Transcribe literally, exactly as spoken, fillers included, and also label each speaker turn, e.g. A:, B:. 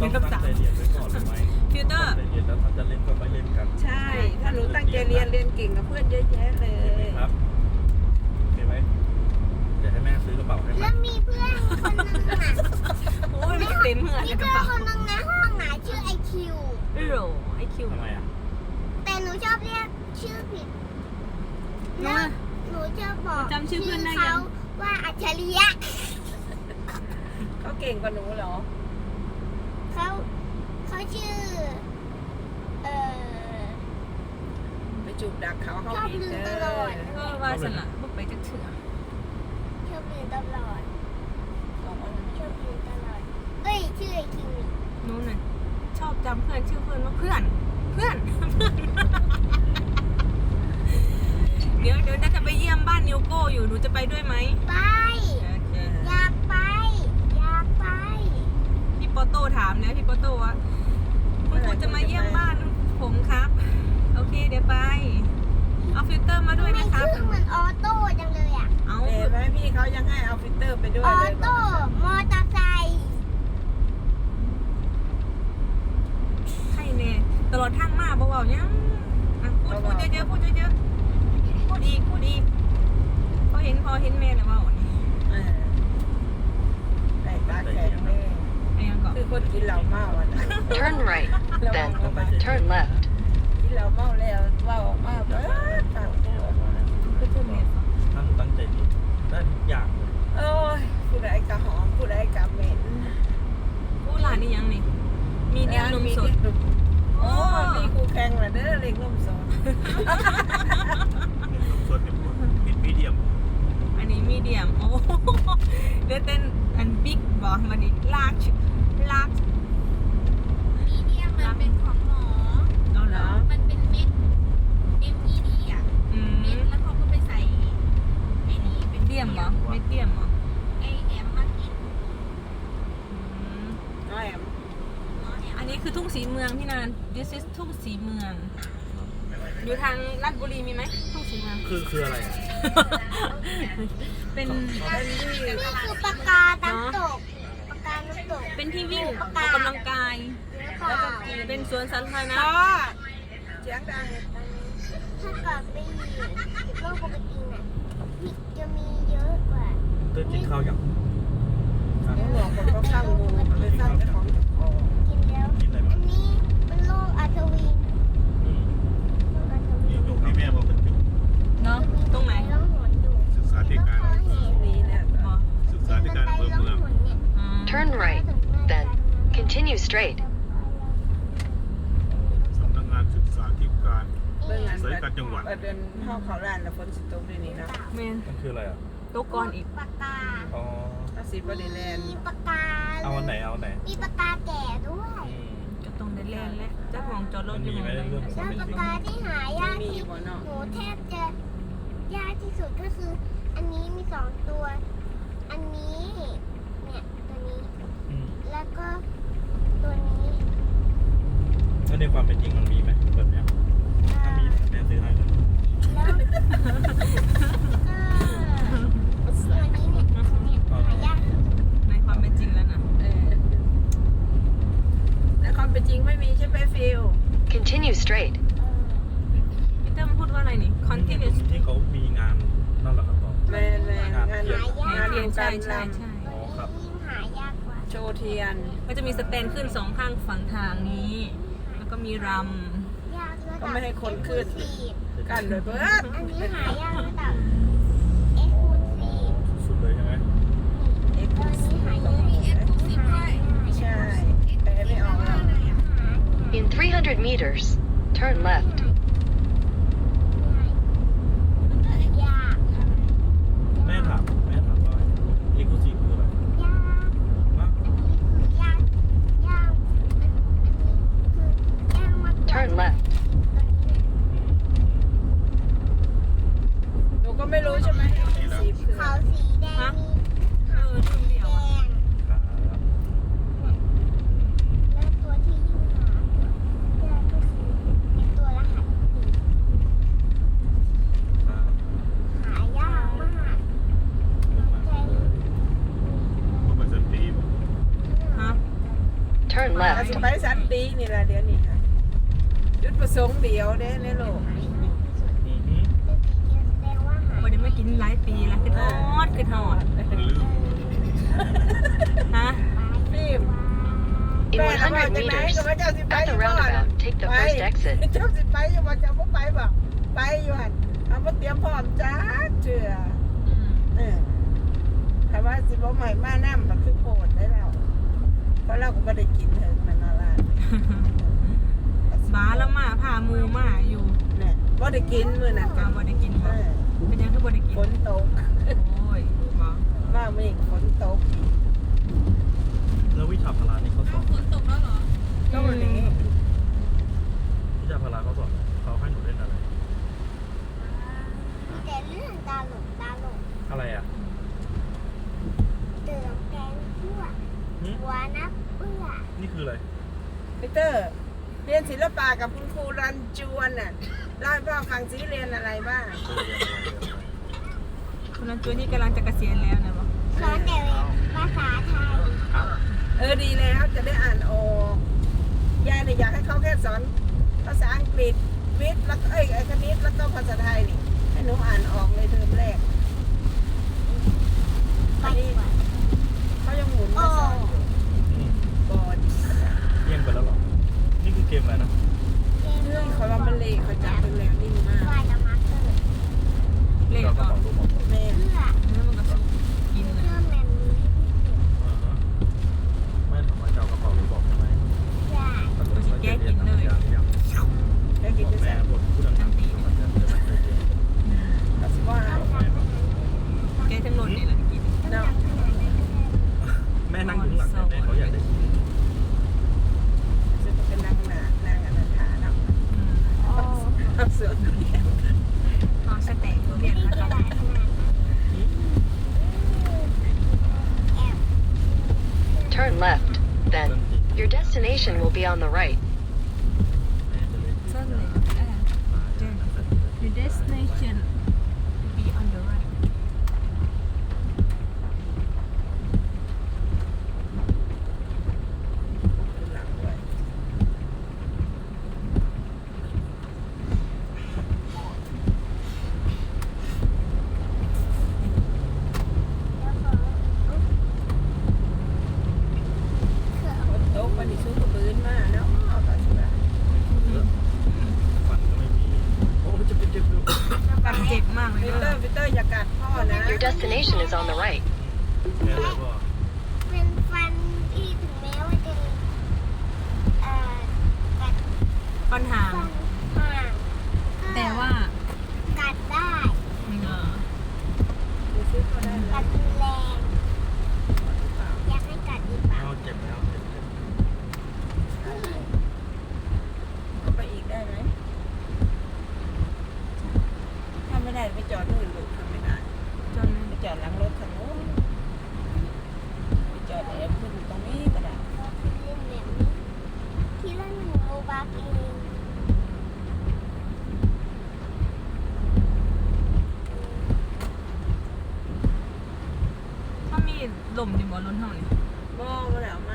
A: นึ่งกับสาม
B: เรียนไว้ก่อนหรือไม่
A: ฟิลเตอร์
B: เรียนแล้วถ้าจะเล่นก็ไปเล่นกัน
C: ใช่ ถ้าหนูตั้งใจเรียนเรียนเก่งกับเพื่อนเยอะแยะเลย
B: ครับโอเคไหมเดี๋ยวให้แม่ซื้อกระเป๋าให้ไหม
D: แล้วมีเพื่อนคนนึงอ่ะ
A: โอ้ยมันเต็มเหมือน
D: มี
A: ในกระ
D: เพื่อน
A: เป๋า
D: คนนึงในห้องอ่ะชื่อไอคิว
A: โอ้โหไอคิว
B: ทำไมอ่ะ
D: แต่หนูชอบเรียกชื่อผิด
A: น้
D: แล้วหนูจะบอก
A: จำชื่อเพื่อนได้ยัง
D: เขาว่าอัจฉริยะ
C: เขาเก่งกว่าหนูเหรอ
D: เขาเขาชื่อ เอ่อ
C: ไปจูบดักเขาเขา
D: ชอบ
C: ผิด
D: ลืม
C: เล
D: ตลอด
C: ย
A: เออว่าสนะพวกไปจะเถื่อ
D: ชอบลืมตลอดชอบลืมตลอดเอ้ยชื่อไอคิวนี่
A: นู้นน่ะชอบจำเพื่อนชื่อเพื่อนว่าเพื่อน เพื่อน เพื่อน เดี๋ยวเดี๋ยวน่าจะไปเยี่ยมบ้านนิวโก้อยู่หนูจะไปด้วยไหม
D: ไป
A: โอเค
D: อยากไป อยากไป
A: พี่โปโต้ถามนะพี่โปโต้ว่าคุณครูจะมาเยี่ยมบ้านผมครับ โอเคเดี๋ยวไป เอาฟิลเตอร์มาด้วย
D: ทำไม
A: นะครับ
D: ชื่อเหมือนออโต้จังเลยอ่ะ
A: เอา
C: เห็นไหมพี่เขายังให้เอาฟิลเตอร์ไปด้วย
D: ออ
C: เลย
D: โต้มอเตอร์ไซค์
A: ใครเนี่ยตลอดทางมาบอกว่ายังอ่ะพูดพูดเยอะๆพูดเยอะๆพูดอีกพูดอีกพอเห็นพอเห็นแม่แล้วว่าอ่อน
C: เออใส่ตาแข็งแม่
A: ไอ้ยังก่อน
C: คือคนกินเหล้าเมาอ่ะนะ
E: Turn right, then turn left.
C: กินเหล้าเมาแล้วเว่าออกมาเออต่างตัว
A: คือเพื่อนเมย์
B: ถ้าหนูตั้งใจเรียนได้ทุกอย่างเลย
C: โอ้ยผู้ใดกะหอมผู้ใดกะเหม็น
A: ผู้หลานนี่ยังนี่มีเดียมนมสด
C: โอ้ยมีครูแข่งเหรอเด้อเล็กนมสด
B: ลูกส่วนเนี่ยปิดมีเดียม
A: อันนี้มีเดียมโอ้เดี๋ยวเต้นอันบิ๊กบอกมันนี่ลากลาก
F: มีเดียมมันเป็นของหมอ
A: เอาเหรอ
F: มันเป็นเม็ด เอ็ม อี ดี อ่ะ
A: อืม
F: เม็ดแล้วเขาก็ไปใส่ไอ้นี่เป็น
A: เดียมเหรอไม่เดียมเหรอ
F: ไอแอมมากิน
A: อืม
C: น้อยแอม
F: เนาะแอม
A: อันนี้คือทุ่งสีเมืองพี่นาน this is ทุ่งสีเมือง อยู่ทางลาดบุรีมีไหมทุ่งสีเมือง
B: คือคืออะไรอ่ะ
A: เป็น
C: เป็นที่
D: นี่คือปากกาน้ำตกปากกาน้ำตก
A: เป็นที่วิ่งออกกำลังกาย
D: แล้วก็
A: เป็นสวนสาธารณะ
C: พ่อเสียงดัง
D: ถ้าเกิดไปโลกปกติน่ะจะมีเยอะกว่า
B: เต้นกินข้าวอย่าง
C: เขาบอกผมก็สร้างงูเลยสร้างเจ้าของเจ้าของ
D: กินแล้ว
B: กินอะไร
D: อั
B: บ้าง
D: นนี้มันโลกอัศวิน
B: อืม
D: โลกอัศวิ
B: มี
D: น
B: หยกมีแม่มาเป็นจุก
A: เนาะตรงไหน
D: ล่องหนอยู่
G: ศึกษาธิการ
D: แล้วก็เห็น
C: นี่เนี่ย
A: อ๋อ
G: ศึกษาธิการอำเภอเมือง
A: อืม
E: Turn right, then continue straight.
G: สำนักงานศึกษาธิการ
C: เรื่องงาน
G: สายการจังหวัด
C: เดินเข้าเขาร้านแล้วฝนสิตกด้วยนี่เนาะ
A: เมน
B: มันคืออะไรอ่ะ
A: โต๊ะก้อนอีก
D: ปากกา
B: อ๋อ
C: ถ้าสีบริแลนด์
D: มีปากกา
B: เอาอันไหนเอาอันไหน
D: มีปากกาแก่ด้วย
B: อืม
A: จะตรงเดนแลนด์และเจ้าของจอดรถอยู่
B: มันมีไหมเรื่อง
D: แล้วปากกาที่หายาก
C: มี
D: ที่
C: บ่เนาะ
D: หนูแทบจะยากที่สุดก็คือ อันนี้มีสองตัว อันนี้เนี่ยตัวนี้
B: อืม
D: แล้วก็ตัวนี้
B: แล้วในความเป็นจริงมันมีไหมแบบเนี้ย
D: เอ่
B: ถ้า
D: อ
B: มีแม่ซื้อให้เลย
D: แล้วก็ตัวนี้เนี่ยเนี่ยหายากที่สุด
A: ในความเป็นจริงแล้วนะ
C: เออในความเป็นจริงไม่มีใช่ไหมฟิล
E: Continue straight.
A: พี่เติ้มพูดว่าอะไรนี่ continuous
B: ที่เขามีงานนั่นเหรอครับพ่อ
C: แมนแมนงาน
D: หายาก
C: งาน
A: เทียน
C: กา
A: ใช่
C: ร
A: ใช่
C: ล
A: ใช่
B: อ๋อครับ
D: ยิ่งหายากกว่า
C: ำโชว์เทียน
A: ก็จะมีสแตนขึ้นสองข้างฝั่งทางนี้ แล้วก็มีร
D: ยากระดับ
C: ก็ไม่ให้คนขึ้น
D: Exclusive
C: กันเลยเบิด
D: อันนี้หายากระดับ Exclusive
B: สุดๆเลยใช่ไหม
C: เอ็กซ์
D: ตัว
C: คลู
D: นี้
C: ซีฟ
D: หายาก
F: มีเอ็กซ์คลูซีฟด้วย
C: ใช่แต่ไม่ออกแล้ว
E: In three hundred meters, turn left.
D: ยาก
B: แม่ถามแม่ถามว่าเอ็กซ์คลูซีฟคืออะไร
D: ยาก
B: มาก
D: ยากยากอันนี้คือยากมากกว่า
E: Turn left.
C: หนูก็ไม่รู้ก็
E: left.
C: สิไปสันตินี่ล่ะเดี๋ยวนี้ค่ะจุดประสงค์เดียวเด้ในโลก
B: อือหือ
D: แสดงว่าหาย
A: บ่ได้มากินหลายปีแล้วคือทอดคือทอด
G: ลืม
A: ฮะ
C: ฟิล์ม
E: In
C: แม่ก็ว่า
E: one hundred
C: จังไหน
E: meters,
C: ก็ว่าเจ้าสิไป
E: at
C: อ
E: the
C: ยู่บ่
E: roundabout, take the
C: ไป
E: first exit.
C: เจ้าสิไปอยู่บ่เจ้าบ่ไปบ่ไปอยู่หั่นเอาบ่เตรียมพร้อมจ้าเชื่อเออถ้าว่าสิบ่ใหม่มานำก็คือโพดได้แล้วเพราะเราก็บ่ได้กินเถิงนั่นน่ะล่ะ
A: บ้าแล้วมาพาหมูมาอยู่
C: เนี่ยบ่ได้กินมื้อนั้น
A: ก็บ่ได้กิน
C: เอ
A: บ่
C: อ
A: เป็นยังคือบ่ได้กิน
C: ฝนตก
A: โอ้ยบ่
C: มากมื้อนี้ฝนตก
B: แล้ววิชาพละนี่เขาสอ
F: เอา
B: น
F: ฝนตกแล้วเหรอ
C: ก็วันนี้
B: วิชาพละเขาสอนเขาให้หนูเล่นอะไร
D: มีแต่เรื่องตาหลงตาหลง
B: อะไรอ่ะ
D: เติมแกงคั่ว
B: หึ
D: หัวนับเปื้อ
B: นี่คืออะไร
C: พีเตอร์ เรียนศิลปะกับคุณครูรันจวนน่ะเล่าให้พ่อฟังซิเรียนอะไรบ้าง
B: เออเรียนอะไรเรียนอะไร
A: คุณนันจูนี่กำลังจะเกษียณแล้วนะบ่
D: สอนแต่ภาษาไทย
B: อ้าว
C: เออดีแล้วจะได้อ่านออกยายเนี่ยอยากให้เขาแค่สอนภาษาอังกฤษวิทย์แล้วก็เอ้ยไอ้คณิตแล้วก็ภาษาไทยนี่ให้หนูอ่านออกเลยเทอมแรก
D: ไปดีกว่า
C: เขายังหมุนมาสอนอยู่
B: อืม
C: บอด
B: เยี่ยมไปแล้วเหรอ นี่คือเกมอะไรนะ
C: เรื่องเขาว่ามันเละเขาจับเป็นแล้วนิ่งมาก
D: ไฟกับมาร์เกอร์
A: เล่น
B: เราก็
A: ก่อน
B: สอนรู้หมด
C: แม่
D: เพื่อ
A: แล้วมันก็สุกกิน
D: เพื่
A: นะ
D: อแมนนี้
B: อ่าฮะไม่ถามว่าจะเอากระเป๋าหรือบอกใช่ไหม
D: ใช่
B: ตอนนี้แก้กินเลยอย่างอย่าง
C: แค่กิน
B: บอก
C: จะ
B: แม่
C: แซ่บ
B: บอกผู้ดังๆที่มันจะจะไม่เคยเรียน
C: ก็สิว่า
B: บอกแม่บอก
A: แกทั้งหมดนี่แหละกิน
C: เนาะ
B: แม่นั่งอยู่ข้างหลังเนี่ยแม่เขาอยากได้ยิน
C: จะเป็นนางหนานางอนันทาเนาะ
A: อืม
C: เอาเสือเรียน
A: เอาสเต็กทุเรียน
D: นี่
A: นะค
D: ก
A: รั
D: ระ
A: บ
D: ดาษขนาดนั้นแอบ
E: Turn left. Then, your destination will be on the right.
B: แม่จะเล่น
A: เส้นเลยเออ Your destination be on the right
C: หลังด้วย
D: แล้วก็
C: ฝนตกวันนี้สู้กับปืนมาเนาะเอาก็สิว่า
B: ฟันก็ไม่มี โอ้ยจะเป็นเจ็บด้วย
A: กันเจ็บมากเลย
C: พีเตอ
A: นะ
C: ร์พีเตอร์อย่ากัดพ่อนะ
E: Your destination is on the right.
B: แม่เลยว่า
D: เป็นฟันที่ถึงแม้ว่าจะเอ่อกัด
A: ปัญหา
D: ฟันห่างก็
A: แต่ว่า
D: กัดได้
A: เออ
C: ดูซิเขาได้ไหม
D: กัดรุนแรง
C: หรือเปล่า
D: อยากให้กัดอีกเปล่า
B: เอาเจ็บแล้วเจ็บแล้ว
C: เอาไปอีกได้ไหมถ้าไม่ได้ไปจอดนู่นลูกทำไม่ได้
A: จน
C: ไปจอดหลังรถคันนู้นไปจอดแอบขึ้นตรงนี้ก็ได้
D: เล่นแบบนี้ทีละหนึ่งโลบาร์เอง
A: ถ้ามีลมอยู่บนรถเท่านี้
C: มองมาแล้วมา